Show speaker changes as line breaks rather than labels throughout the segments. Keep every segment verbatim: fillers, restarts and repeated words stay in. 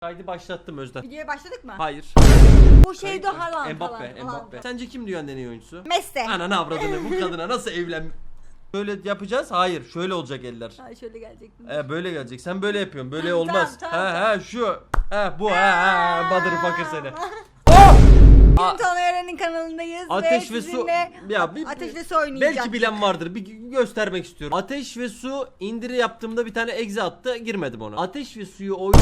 Kaydı başlattım Özden.
Videoya başladık mı?
Hayır.
Bu şeyde Haaland.
Mbappe,
Haaland.
Mbappe. Sence kim dünyanın en iyi oyuncusu?
Messi.
Ananı avradını, bu kadına nasıl evlen... Böyle yapacağız. Hayır, şöyle olacak eller.
Ha şöyle gelecektim.
Ee, böyle gelecek. Sen böyle yapıyorsun. Böyle
Tamam,
olmaz.
tamam,
ha
tamam,
ha şu. Ha bu ha ha motherfucker seni.
Bugün Tonören'in kanalındayız
Ateş
ve,
ve su.
sizinle
Ya bir,
Ateş ve su oynayacağız.
belki bilen vardır. Bir göstermek istiyorum. Ateş ve su indiri yaptığımda bir tane exe attı. Girmedim ona. Ateş ve suyu oyn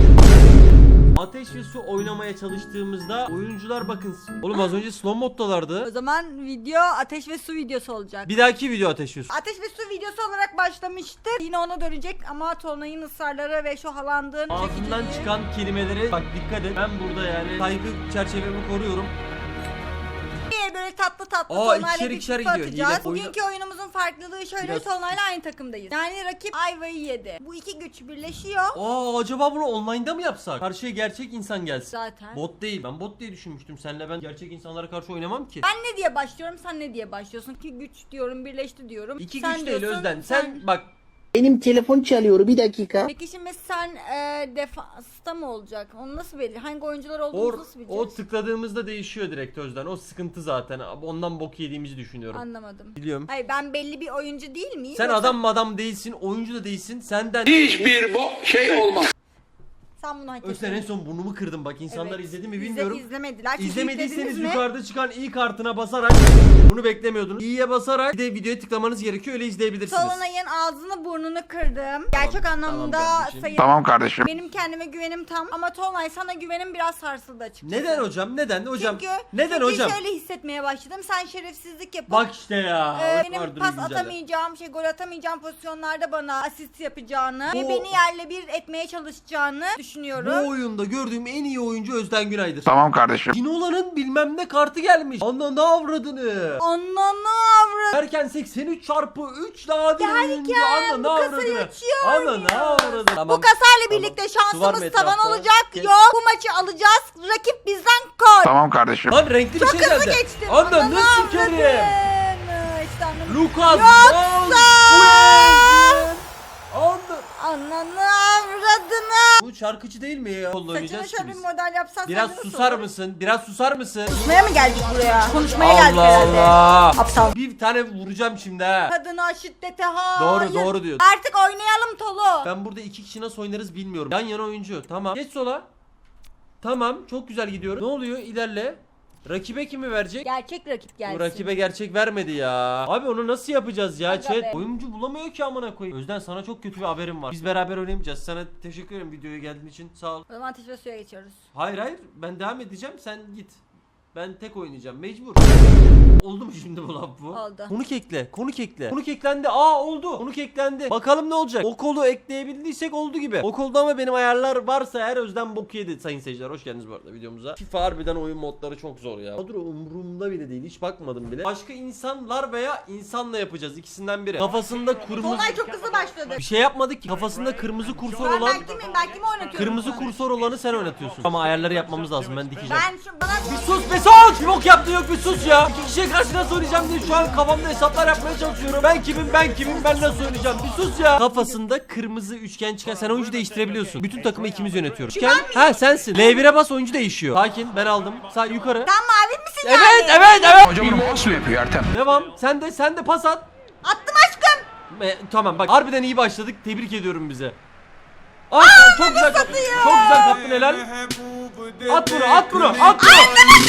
Ateş ve su oynamaya çalıştığımızda oyuncular bakın. Oğlum az önce slow moddalardı.
O zaman video ateş ve su videosu olacak.
Bir dahaki video ateş ve su.
Ateş ve su videosu olarak başlamıştı. Yine ona dönecek ama Tolunay'ın ısrarları ve şu Haaland'ın
Ağzından
çekiciliği-
çıkan kelimeleri bak dikkat et. Ben burada yani saygı çerçevemi koruyorum.
böyle tatlı tatlı
Aa,
Tolunay'la
ikişer
bir
ikişer
kutu
gidiyor.
atacağız.
Hile- oyuna-
Bugünkü oyunumuzun farklılığı şöyle,
Biraz-
Tolunay'la aynı takımdayız. Yani rakip ayvayı yedi. Bu iki güç birleşiyor.
Aa acaba bunu online'da mı yapsak? Karşıya gerçek insan gelsin.
Zaten.
Bot değil. Ben bot diye düşünmüştüm. Seninle ben gerçek insanlara karşı oynamam ki.
Ben ne diye başlıyorum, sen ne diye başlıyorsun? İki güç diyorum, birleşti diyorum.
İki
Sen
güç değil
diyorsun,
Özden. Sen, bak
Benim telefon çalıyor, bir dakika.
Peki şimdi sen e, defansta mı olacak? Onu nasıl belir? Hangi oyuncular olduğumuzu
o,
nasıl bileceğiz?
o tıkladığımızda değişiyor direkt Özden. O sıkıntı zaten. Ondan bok yediğimizi düşünüyorum.
Anlamadım.
Biliyorum.
Hayır, ben belli bir oyuncu değil miyim?
Sen
Yoksa
adam madam değilsin, oyuncu da değilsin. Senden
Hiçbir bo şey olmaz.
sen bunu hak
Özden en
ettin.
son burnumu kırdım bak. İnsanlar
Evet.
izledi mi
İzle-
bilmiyorum.
izlemediler. Çünkü
İzlemediyseniz
izlediniz mi?
yukarıda çıkan i kartına basarak bunu beklemiyordunuz. İ'ye basarak bir de videoya tıklamanız gerekiyor, öyle izleyebilirsiniz.
Tolunay'ın ağzını burnunu kırdım. Gerçek anlamda
kardeşim.
sayın.
Tamam kardeşim.
Benim kendime güvenim tam ama Tolunay sana güvenim biraz sarsıldı açıkçası.
Neden hocam? Neden hocam?
Çünkü,
Neden
çünkü
hocam?
şöyle hissetmeye başladım. Sen şerefsizlik yapıp
Bak işte ya.
Ee,
o
benim
vardır
pas
bir güncelle.
atamayacağım, şey gol atamayacağım pozisyonlarda bana asist yapacağını
Bu-
ve beni yerle bir etmeye çalışacağını düşünüyorum.
Bu oyunda gördüğüm en iyi oyuncu Özden Günay'dır.
Tamam kardeşim.
Ginolan'ın bilmem ne kartı gelmiş. Ananı avradını.
Ananı avrat.
Erken seksen üç çarpı üç nadir oyuncu.
Derken
Ananı
bu kasayı
avradını.
açıyor
Ananı
oynuyoruz.
avradını.
Bu
Tamam.
kasayla
Tamam.
birlikte
Su var
şansımız
mı
tavan
etrafta?
olacak.
Kes.
Yok. Bu maçı alacağız. Rakip bizden gol.
Tamam kardeşim.
Lan renkli bir şey
Hızlı
geldi.
geçtim.
Ananı sikerim.
avradını. İşte ananı.
Lucas
Yoksa-
Vazquez. Ananı.
Ananı avradını.
Bu şarkıcı değil mi ya? Kolla
Saçına
oynayacağız ki
şöyle bir
biz.
model yapsan
Biraz
sence nasıl
susar
olur?
mısın? Biraz susar mısın?
Konuşmaya mı geldik buraya? Konuşmaya geldik
Allah
herhalde.
Allah.
Aptal.
Bir tane vuracağım şimdi ha.
Kadına şiddete hayır.
Doğru doğru diyor.
Artık oynayalım Tolu.
Ben burada iki kişi nasıl oynarız bilmiyorum. Yan yana oyuncu. Tamam. Geç sola. Tamam. Çok güzel gidiyoruz. Ne oluyor? İlerle. Rakibe kimi verecek?
Gerçek rakip gelsin.
Bu rakibe gerçek vermedi ya. Abi onu nasıl yapacağız ya
Aga
chat?
be.
Oyuncu bulamıyor ki amına koyayım. Özden sana çok kötü bir haberim var. Biz beraber oynamayacağız. Sana teşekkür ederim videoya geldiğin için. Sağ ol.
O zaman ateş ve suya geçiyoruz.
Hayır hayır. Ben devam edeceğim. Sen git. Ben tek oynayacağım. Mecbur. Oldu mu şimdi bu laf bu?
Oldu.
Konuk ekle. Konuk ekle. Konuk eklendi. Aa oldu. Konuk eklendi. Bakalım ne olacak? O kolu ekleyebildiysek oldu gibi. O kolda ama benim ayarlar varsa eğer Özden bok yedi sayın seyirciler. Hoş geldiniz bu arada videomuza. FIFA harbiden oyun modları çok zor ya. Kadro umurumda bile değil. Hiç bakmadım bile. Başka insanlar veya insanla yapacağız. İkisinden biri. Kafasında kırmızı...
Tolunay çok hızlı başladı.
Bir şey yapmadık ki. Kafasında kırmızı kursor
Ben
olan...
belki miyim? Belki mi oynatıyorum?
Kırmızı
şu an?
kursor olanı sen oynatıyorsun. Ama ayarları yapmamız lazım. Ben dikeceğim.
Ben şu bana
Bir sus be sus! Bir bok yaptın yok bir sus ya. İki kişiye karşı nasıl oynayacağım diye şu an kafamda hesaplar yapmaya çalışıyorum. Ben kimim ben kimim ben nasıl oynayacağım bir sus ya. Kafasında kırmızı üçgen çıkan sen oyuncu değiştirebiliyorsun. Bütün takımı ikimiz yönetiyoruz. Üçgen ha sensin. L bire bas oyuncu değişiyor. Sakin ben aldım. Sağ yukarı.
sen mavi misin
Evet
yani?
evet evet.
Hocam bunu mouse mu yapıyor Ertem?
Devam. Sen de sen de pas at.
Attım aşkım.
E, tamam bak harbiden iyi başladık. Tebrik ediyorum bize. Aa, çok güzel kaptın. Çok güzel kaptın helal. At bunu at bunu at bunu.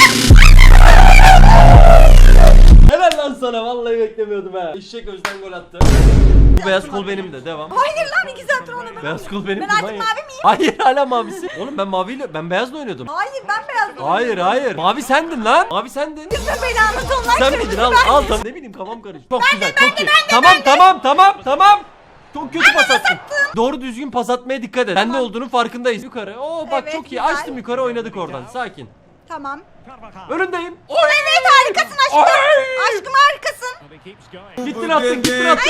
Helal lan sana vallahi beklemiyordum ha. Eşek Özden gol attı. Bu beyaz kol benim de devam.
Hayır lan iki saattir onu ben.
Beyaz kol benim
Ben
de,
artık
manyak.
mavi miyim?
Hayır hala mavisi. Oğlum ben maviyle ben beyazla oynuyordum.
Hayır ben beyazdım.
Hayır hayır. Mavi sendin lan. Mavi sendin.
Kızım belanı Tolunay
Sen
kırmızı
miydin al
ben.
al tamam. Ne bileyim kafam karıştı. Çok güzel çok iyi. Tamam tamam tamam tamam. Çok kötü pas attın. Doğru düzgün pas atmaya dikkat et. Bende olduğunun farkındayız. Yukarı. Oo bak
Evet,
çok iyi.
güzel.
Açtım yukarı oynadık oradan. Sakin.
Tamam.
Önündeyim.
Evet harikasın aşkım.
Ay!
Aşkım harikasın.
Gittin attın gittin attın.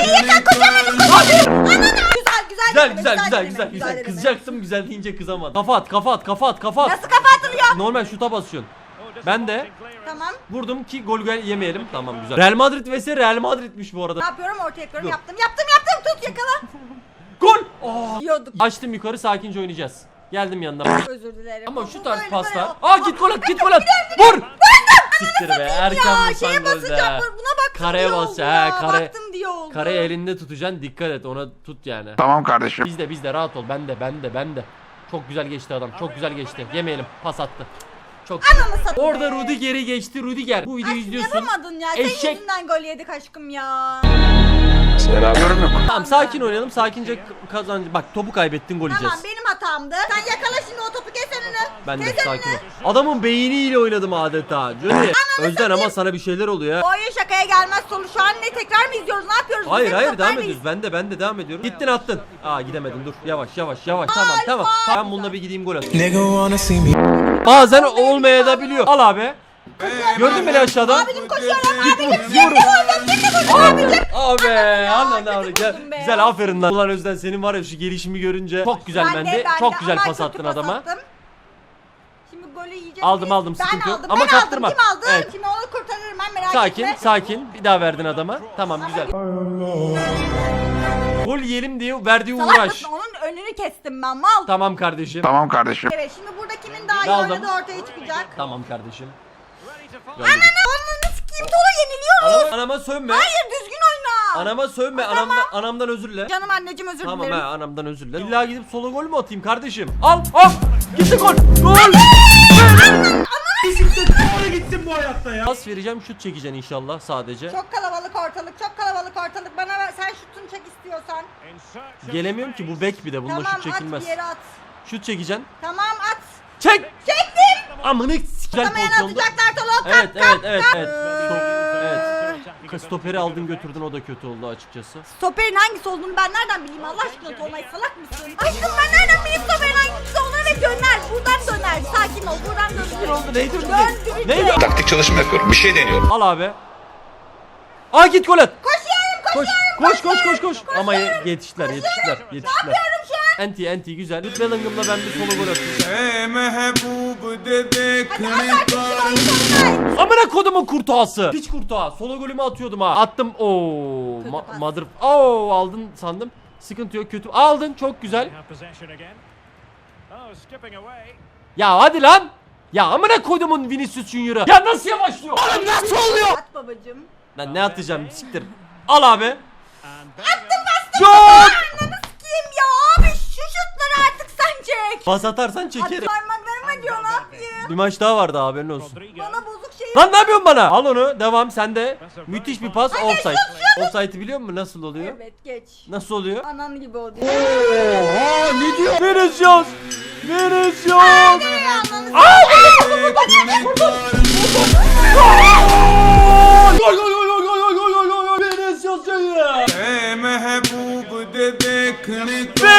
Güzel güzel.
Güzel
deneme,
güzel güzel
deneme,
güzel güzel.
deneme.
Kızacaktım güzel deyince kızamadım. Kafa at kafa at kafa at kafa at.
Nasıl kafa atılıyor?
Normal şuta basıyorsun. Ben de
Tamam.
vurdum ki gol gol yemeyelim. Tamam güzel. Real Madrid vs Real Madrid'miş bu arada.
Ne yapıyorum? Ortaya yapıyorum.
Dur.
Yaptım yaptım yaptım. Tut yakala.
Gol! Oh.
Yiyorduk.
Açtım yukarı sakince oynayacağız. Geldim yanına.
Özür dilerim.
Ama
Bu
şu tarz
böyle
paslar.
böyle-
Aa git gol at, git gol at. Vur. Siktir be. Erken
Ya
vursan
şeye
golde.
basacağım. Buna baktım
Kareye
diye
bas,
oldu
he,
ya.
kare-
Baktım diye oldu.
Kareyi elinde tutacaksın. Dikkat et, ona tut yani.
Tamam kardeşim.
Bizde bizde rahat ol. Ben de ben de ben de. Çok güzel geçti adam. Çok güzel geçti. Yemeyelim. Pas attı. Çok güzel.
Ananı satayım
Orada
be.
Rudiger'i geçti. Rudiger. Bu videoyu
Aşkım
izliyorsun.
yapamadın ya. Senin
Eşek.
yüzünden gol yedik aşkım ya.
Yorum yok.
Tamam sakin oynayalım. Sakince kazan. Bak topu kaybettin, gol
Tamam
yiyeceğiz.
benim hatamdı. Sen yakala şimdi o topu, kes önünü.
Ben de
Kes
sakin ol.
önünü.
Adamın beyniyle oynadım adeta. Johnny. Özden ama sana bir şeyler oluyor
Bu
ha.
oyun şakaya gelmez sonu. Şu an ne, tekrar mı izliyoruz? Ne yapıyoruz?
Hayır
Biz
hayır
hep
devam
aynıyız.
ediyoruz. Ben de ben de devam ediyorum. Gittin attın. Aa gidemedin, dur. Yavaş yavaş yavaş. Tamam tamam. Ben bununla bir gideyim, gol atayım.
Nigga wanna see me.
Bazen olmaya da biliyor. Al abi. Gördün beni aşağıda.
Abicim koşuyorum. Abicim
Vur.
abicim.
Abi anam ne
kötü
güzel.
vurdun be.
Güzel aferin lan. Ulan Özden senin var ya şu gelişimi görünce çok güzel
Ben de,
bende.
ben
Çok
de.
güzel
Ama
pas
kötü
attın
pas
adama.
attım. Şimdi golü yiyeceğiz.
Aldım,
biz.
aldım,
Ben
sıkıntı yok.
aldım,
Ama
ben
kaptırma.
aldım. Kim aldı?
Evet.
Şimdi onu kurtarırım ben, merak
Sakin
etme.
sakin. Bir daha verdin adama. Tamam güzel. Gol yiyelim diye verdiği
Salak
uğraş.
mısın? Onun önünü kestim ben, mal.
Tamam kardeşim.
Tamam kardeşim.
Evet şimdi burada kimin daha iyi
Aldım.
oynadığı ortaya çıkacak.
Tamam kardeşim.
Ananı sikeyim, Tola yeniliyoruz.
Anama, anama sövme.
Hayır düzgün oyna.
Anama sövme. Anamdan, anamdan özür dile.
Canım anneciğim özür
Tamam
dilerim.
he, anamdan özür dile. İlla gidip solo gol mü atayım kardeşim? Al al. Gitti gol. Gol. Bisiklet oraya gitsin bu hayatta ya. Pas vereceğim, şut çekeceksin inşallah sadece.
Çok kalabalık ortalık, çok kalabalık ortalık. Bana ver, sen şutunu çek istiyorsan.
Gelemiyorum ki, bu bek bir de. Bununla
Tamam
şut çekilmez.
at bir yere at.
Şut çekeceksin.
Tamam at.
Çek.
Çektim.
Amına güzel
Atamayan
pozisyonda.
atacaklar Tola.
Evet
Kalk,
evet
kalk,
evet
kalk.
evet. Stop- evet. Stoperi aldın götürdün, o da kötü oldu açıkçası.
Stoperin hangisi olduğunu ben nereden bileyim Allah aşkına Tolunay, salak mısın? Aşkım ben nereden bileyim stoperin hangisi olduğunu, ve döner. Buradan döner. Sakin ol. Buradan döner.
Ne oldu? Neydi?
Döndürecek.
Neydi?
Taktik çalışma yapıyorum. Bir şey deniyorum.
Al abi. Aa git gol at.
Koşuyorum
Koş
koşuyorum.
koş koş koş koş. Ama ye- yetiştiler yetiştiler yetiştiler.
Yapıyorum şu an.
Enti enti güzel. Jude Bellingham'la ben bir solo gol atayım.
Hey महबूब दे देखने
Tolunay.
Amına kodumun kurtuğası. Piç kurtuğa. Solo golümü atıyordum ha. Attım. Oo.
Kötü
Ma-
pas.
mother. Oo aldın sandım. Sıkıntı yok, kötü. Aldın, çok güzel. Ya hadi lan. Ya amına kodumun Vinicius Junior'ı. Ya nasıl yavaşlıyor? Oğlum nasıl oluyor?
At babacım.
Lan ne atacağım, siktir. Al abi.
Attım bastım.
Çok.
Ananı sikeyim ya abi, şu şutları artık sen çek.
Pas atarsan
At
çekerim.
parmaklarım acıyor, ne yapayım?
Bir maç daha vardı, haberin olsun.
Bana bozuk şey.
Lan ne yapıyorsun bana? Al onu, devam sende. Müthiş bir pas, offside. Offside'ı biliyor musun nasıl oluyor?
Evet geç.
Nasıl oluyor?
Anan gibi o diyor.
Ne diyor? Vinicius! Vinicius!
Ananı
Gol gol gol gol gol gol gol gol gol! Vinicius Junior!
hey महबूब दे देखने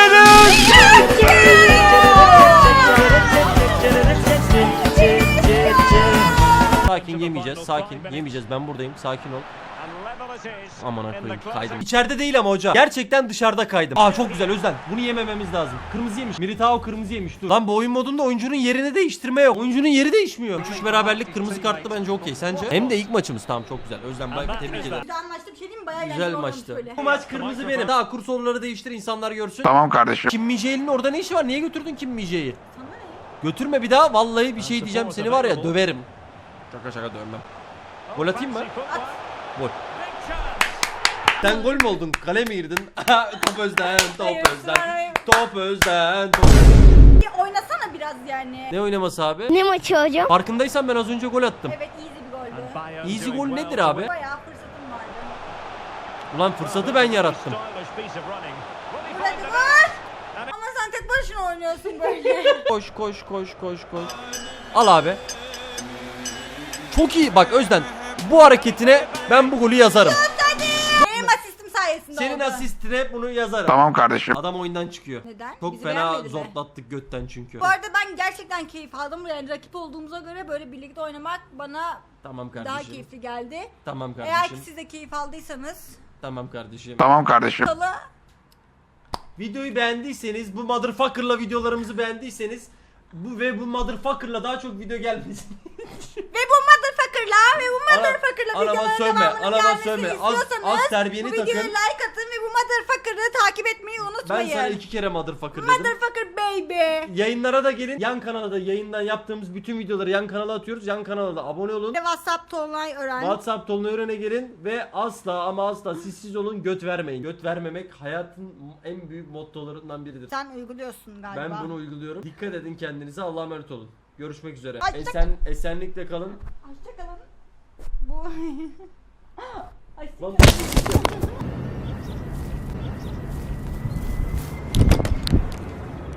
Sakin, yemeyeceğiz, sakin. Yemeyeceğiz, ben buradayım, sakin ol. Aman koyayım, kaydım. İçeride değil ama hoca. Gerçekten dışarıda kaydım. Aa çok güzel Özden. Bunu yemememiz lazım. Kırmızı yemiş. Militao kırmızı yemiş. Dur. Lan bu oyun modunda oyuncunun yerini değiştirme yok. Oyuncunun yeri değişmiyor. üç üç beraberlik kırmızı kartlı bence okey. Sence? Hem de ilk maçımız. Tamam çok güzel. Özden bak tebrik ederim.
Güzel maçtı, bir şey diyeyim mi? Bayağı
Güzel
eğlenceli olmuş
maçtı.
böyle.
Bu maç kırmızı benim. Daha kur soruları değiştir, insanlar görsün.
Tamam kardeşim.
Kim Mije'nin orada ne işi var? Niye götürdün Kim Mije'yi?
Sana ne?
Götürme bir daha. Vallahi bir şey diyeceğim. Seni var ya döverim. Şaka şaka dövmem. Gol atayım mı? Gol. Sen gol mü oldun? Kale mi girdin? Top Özden, top
Hayır,
Özden.
sonra-
Top Özden, top.
Bir oynasana biraz yani.
Ne oynaması abi?
Ne maçı hocam?
Farkındaysan ben az önce gol attım.
Evet easy bir goldü.
Easy gol nedir abi?
Bayağı fırsatım vardı.
Ulan fırsatı ben yarattım.
Vur hadi vur. Ama sen tek başına oynuyorsun böyle.
Koş koş koş koş koş. Al abi. Çok iyi. Bak Özden, bu hareketine ben bu golü yazarım.
Benim asistim sayesinde
Senin
oldu.
asistine bunu yazarım.
Tamam kardeşim.
Adam oyundan çıkıyor.
Neden?
Çok
Bizi
fena
beğenmedi mi?
zortlattık götten çünkü.
Bu arada ben gerçekten keyif aldım. Yani rakip olduğumuza göre böyle birlikte oynamak bana
Tamam
daha
kardeşim.
keyifli geldi.
Tamam
Eğer ki
kardeşim.
siz de keyif aldıysanız
Tamam kardeşim.
Tamam kardeşim.
Salı
Videoyu beğendiyseniz, bu motherfucker'la videolarımızı beğendiyseniz bu ve bu motherfucker'la daha çok video gelmesin.
ve bu motherfucker motherfucker'la ve bu motherfucker'la
anama
videoların
sövme,
devamının
anama
gelmesini
sövme. Az-
istiyorsanız
az terbiyeni
bu videoya
takın.
like atın ve bu motherfucker'ı takip etmeyi
Ben
unutmayın.
sana iki kere motherfucker dedim.
Motherfucker baby.
Yayınlara da gelin. Yan kanala da yayından yaptığımız bütün videoları yan kanala atıyoruz. Yan kanala da abone olun.
Ve WhatsApp Tolunay Ören.
WhatsApp Tolunay Ören'e gelin ve asla ama asla sizsiz olun, göt vermeyin. Göt vermemek hayatın en büyük mottolarından biridir.
Sen uyguluyorsun galiba.
Ben bunu uyguluyorum. Dikkat edin kendinize. Allah'a emanet olun. Görüşmek üzere.
Ay,
Esen esenlikle kalın.
Hoşçakalın. Bu... Ay,
Lan-